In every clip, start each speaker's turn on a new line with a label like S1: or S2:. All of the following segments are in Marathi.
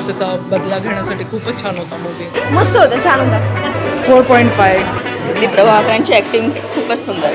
S1: त्याचा बदला घेण्यासाठी खूपच छान होता मूवी.
S2: मस्त होता, छान होता.
S1: 4.5.
S2: दिलीप प्रभाकरांची ॲक्टिंग खूपच सुंदर.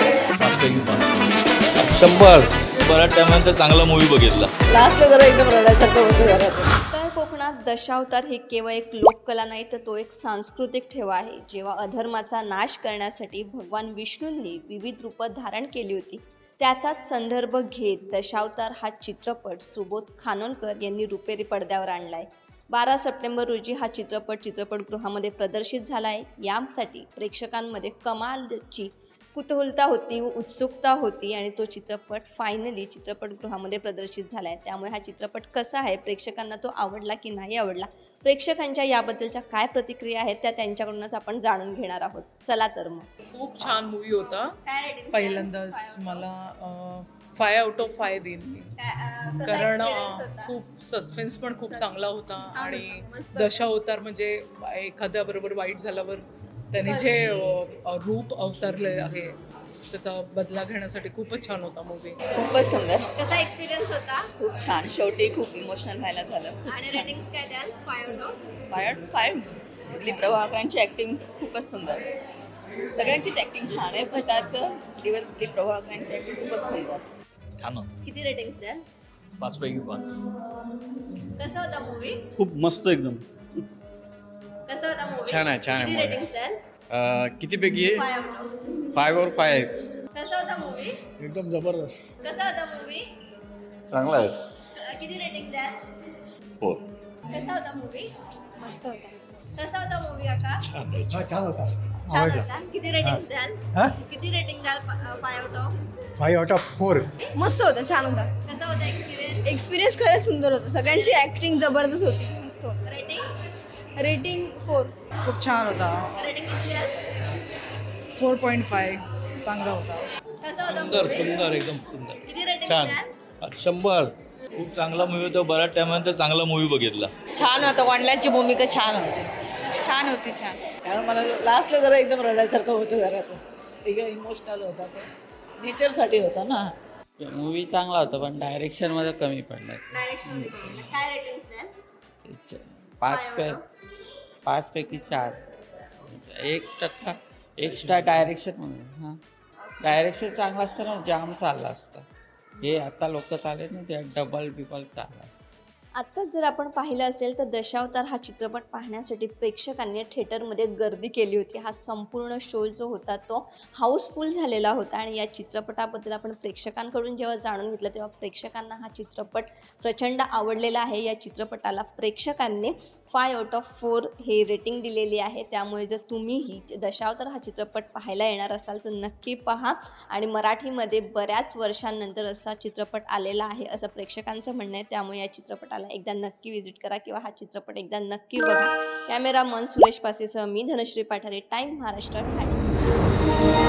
S3: 100. बऱ्याच टायमानंतर चांगला मूवी बघितला.
S2: लास्टला जरा एकदम रडायसारखं होतं जरा.
S4: उत्तर कोकणात दशावतार ही केवळ एक लोककला नाही तर तो एक सांस्कृतिक ठेवा आहे. जेव्हा अधर्माचा नाश करण्यासाठी भगवान विष्णूंनी विविध रूपं धारण केली होती, त्याचाच संदर्भ घेत दशावतार हा चित्रपट सुबोध खानोलकर यांनी रुपेरी पडद्यावर आणला आहे. 12 सप्टेंबर रोजी हा चित्रपटगृहामध्ये प्रदर्शित झाला आहे. यासाठी प्रेक्षकांमध्ये कमालची कुतूहलता होती, उत्सुकता होती आणि तो चित्रपट फायनली चित्रपटगृहामध्ये प्रदर्शित झाला आहे. त्यामुळे हा चित्रपट कसा आहे, प्रेक्षकांना तो आवडला की नाही आवडला, प्रेक्षकांच्या याबद्दलच्या काय प्रतिक्रिया आहेत त्या त्यांच्याकडूनच आपण जाणून घेणार आहोत. चला तर मग.
S1: खूप छान मूवी होता. पहिल्यांदाच मला 5 आउट ऑफ 5 देईन मी. कारण खूप सस्पेन्स पण खूप चांगला होता आणि दशावतार म्हणजे एखाद्याबरोबर वाईट झाल्यावर त्याने जे रूप अवतारले आहे त्याचा बदला घेण्यासाठी खूपच छान होता मूवी.
S2: खूपच सुंदर,
S4: कसा एक्सपिरियन्स होता
S2: खूप छान. शेवटी खूप इमोशनल व्हायला झालं.
S4: आणि रेटिंग्स काय द्याल? 5 आउट ऑफ
S2: 5. दिलीप प्रभाकरांची ॲक्टिंग खूपच सुंदर. सगळ्यांचीच ॲक्टिंग छान आहे, पण त्यात दिलीप प्रभाकरांची ॲक्टिंग खूपच सुंदर.
S3: छान होता.
S4: किती रेटिंग्स द्याल?
S3: 5 पैकी 5.
S4: कसा होता मूवी?
S5: खूप मस्त एकदम.
S4: कसा होता मूवी?
S6: छान आहे, छान आहे
S4: किती
S6: movie.
S4: रेटिंग्स द्याल?
S6: कितीपैकी
S4: 5 आउट ऑफ
S6: 5 और 5.
S4: कसा होता मूवी?
S7: एकदम जबरदस्त.
S4: कसा होता मूवी?
S3: चांगला आहे.
S4: किती रेटिंग द्याल?
S3: 4.
S4: कसा होता मूवी?
S2: मस्त होता.
S4: कसा होता मूवी काका?
S7: छान होता.
S4: छान होता. किती रेटिंग द्याल? किती रेटिंग द्याल? 5 आउट ऑफ
S7: 5 आउट ऑफ 4.
S2: मस्त होता, छान होता.
S4: कसा होता एक्सपिरियन्स?
S2: एक्सपिरियन्स खरंच सुंदर होता. सगळ्यांची ॲक्टिंग जबरदस्त होती, मस्त होता.
S4: Rating
S2: rating 4.
S1: खूप छान होता.
S4: रेटिंग किती द्याल?
S1: 4.5 चांगला होता.
S4: कसा होता
S3: सुंदर
S4: movie?
S3: सुंदर एकदम सुंदर.
S4: किती रेटिंग
S3: छान.
S4: द्याल?
S3: 100. खूप चांगला मूवी होता. बऱ्याच टायमानंतर चांगला मूवी बघितला.
S2: छान होतं. वडिलांची भूमिका छान होती.
S8: छान होती, छान.
S9: कारण मला लास्टला जरा एकदम रडायसारखं होतं जरा. तो एकदम इमोशनल होता. तो नेचरसाठी होता ना.
S10: मूवी चांगला होता पण डायरेक्शनमध्ये कमी पडला.
S4: डायरेक्शन काय रेटिंग्स द्याल?
S10: 5 पैकी 4. 1% एक्स्ट्रा डायरेक्शन म्हणून. हां, डायरेक्शन चांगलं असतं ना, जाम चाललं असतं. हे आता लोक चालेल ना, ते डबल चाललं असतं.
S4: आत्ताच जर आपण पाहिलं असेल तर दशावतार हा चित्रपट पाहण्यासाठी प्रेक्षकांनी थिएटरमध्ये गर्दी केली होती. हा संपूर्ण शो जो होता तो हाऊसफुल झालेला होता आणि या चित्रपटाबद्दल आपण प्रेक्षकांकडून जेव्हा जाणून घेतलं तेव्हा प्रेक्षकांना हा चित्रपट प्रचंड आवडलेला आहे. या चित्रपटाला प्रेक्षकांनी 5 आउट ऑफ 4 हे रेटिंग दिलेली आहे. त्यामुळे जर तुम्हीही दशावतार हा चित्रपट पाहायला येणार असाल तर नक्की पहा. आणि मराठीमध्ये बऱ्याच वर्षांनंतर असा चित्रपट आलेला आहे असं प्रेक्षकांचं म्हणणं आहे. त्यामुळे या चित्रपटाला एकदा नक्की विजिट करा किंवा हा चित्रपट एकदा नक्की बघा. कॅमेरामन सुरेश पासेसह मी धनश्री पाठारे, टाइम महाराष्ट्र, ठाणे.